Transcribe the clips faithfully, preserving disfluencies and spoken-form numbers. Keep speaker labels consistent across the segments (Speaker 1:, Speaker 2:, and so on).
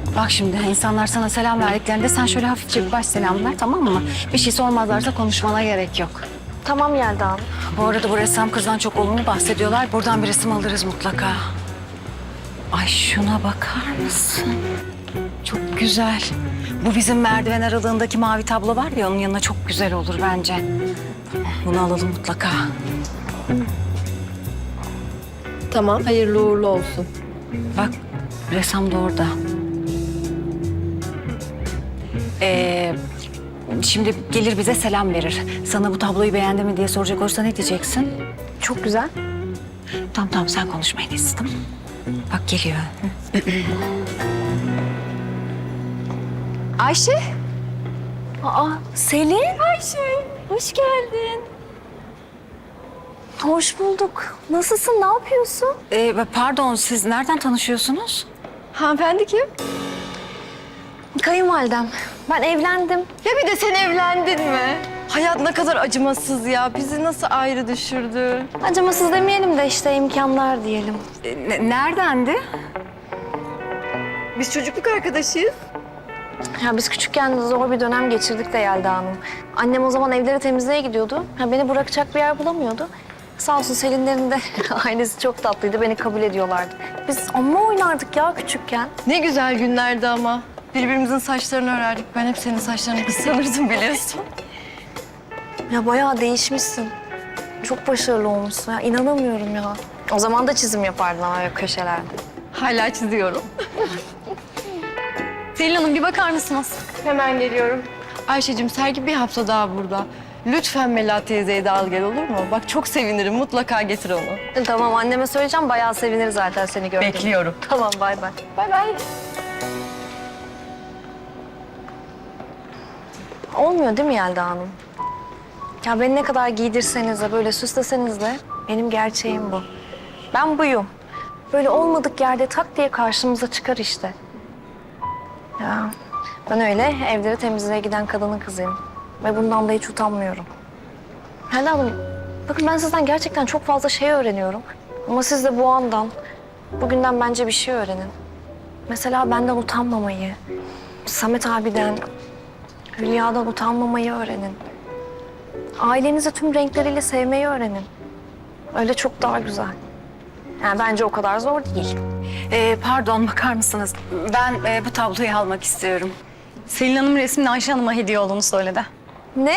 Speaker 1: Bak şimdi insanlar sana selam verdiklerinde sen şöyle hafifçe bir baş selam ver, tamam mı? Bir şey sormazlarsa konuşmana gerek yok.
Speaker 2: Tamam Yelda Hanım.
Speaker 1: Bu arada bu ressam kızdan çok olumlu bahsediyorlar. Buradan bir resim alırız mutlaka. Ay şuna bakar mısın? Çok güzel. Bu bizim merdiven aralığındaki mavi tablo var ya, onun yanına çok güzel olur bence. Bunu alalım mutlaka.
Speaker 2: Tamam, hayırlı uğurlu olsun.
Speaker 1: Bak ressam da orada. Ee, şimdi gelir bize selam verir. Sana bu tabloyu beğendi mi diye soracak olursa ne diyeceksin?
Speaker 2: Çok güzel.
Speaker 1: Tamam tamam sen konuşma en iyisi, tamam. Bak geliyor.
Speaker 2: Ayşe.
Speaker 1: Aa Selin.
Speaker 2: Ayşe, hoş geldin. Hoş bulduk. Nasılsın, ne yapıyorsun?
Speaker 1: Ee, pardon siz nereden tanışıyorsunuz?
Speaker 2: Hanımefendi kim? Kayınvalidem. Ben evlendim.
Speaker 3: Ya bir de sen evlendin mi? Hayat ne kadar acımasız ya. Bizi nasıl ayrı düşürdü?
Speaker 2: Acımasız demeyelim de işte imkanlar diyelim.
Speaker 1: Ee, ne- neredendi?
Speaker 3: Biz çocukluk arkadaşıyız.
Speaker 2: Ya biz küçükken zor bir dönem geçirdik de Yelda Hanım. Annem o zaman evleri temizliğe gidiyordu. Ha, beni bırakacak bir yer bulamıyordu. Sağ olsun Selinlerin de ailesi çok tatlıydı. Beni kabul ediyorlardı. Biz amma oynardık ya küçükken.
Speaker 3: Ne güzel günlerdi ama. Birbirimizin saçlarını örerdik. Ben hep senin saçlarını kıskanırdım biliyorsun.
Speaker 2: Ya bayağı değişmişsin. Çok başarılı olmuşsun ya. İnanamıyorum ya. O zaman da çizim yapardın ama böyle köşelerde.
Speaker 3: Hala çiziyorum.
Speaker 2: Selin Hanım bir bakar mısınız?
Speaker 3: Hemen geliyorum. Ayşe'cim sergi bir hafta daha burada. Lütfen Melahat teyzeyi de al gel, olur mu? Bak çok sevinirim. Mutlaka getir onu.
Speaker 2: Tamam anneme söyleyeceğim. Bayağı sevinir zaten seni gördüğünde.
Speaker 3: Bekliyorum.
Speaker 2: Tamam bay bay.
Speaker 3: Bay bay.
Speaker 2: Olmuyor değil mi Yelda Hanım? Ya beni ne kadar giydirseniz de böyle süsleseniz de benim gerçeğim bu. Ben buyum. Böyle olmadık yerde tak diye karşımıza çıkar işte. Ya ben öyle evleri temizliğe giden kadının kızıyım. Ve bundan da hiç utanmıyorum. Yelda Hanım, bakın ben sizden gerçekten çok fazla şey öğreniyorum. Ama siz de bu andan, bugünden bence bir şey öğrenin. Mesela benden utanmamayı, Samet abiden, Hülya'dan utanmamayı öğrenin. Ailenizi tüm renkleriyle sevmeyi öğrenin. Öyle çok daha güzel. Yani bence o kadar zor değil.
Speaker 1: Ee, pardon bakar mısınız? Ben e, bu tabloyu almak istiyorum.
Speaker 4: Selin Hanım resmin Ayşe Hanım'a hediye olduğunu söyledi.
Speaker 2: Ne?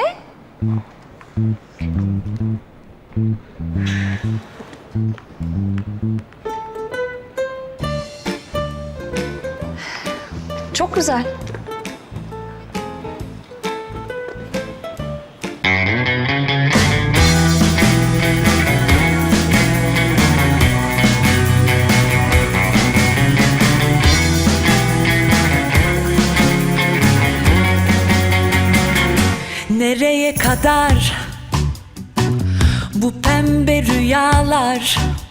Speaker 2: Çok güzel.
Speaker 5: Nereye kadar bu pembe rüyalar?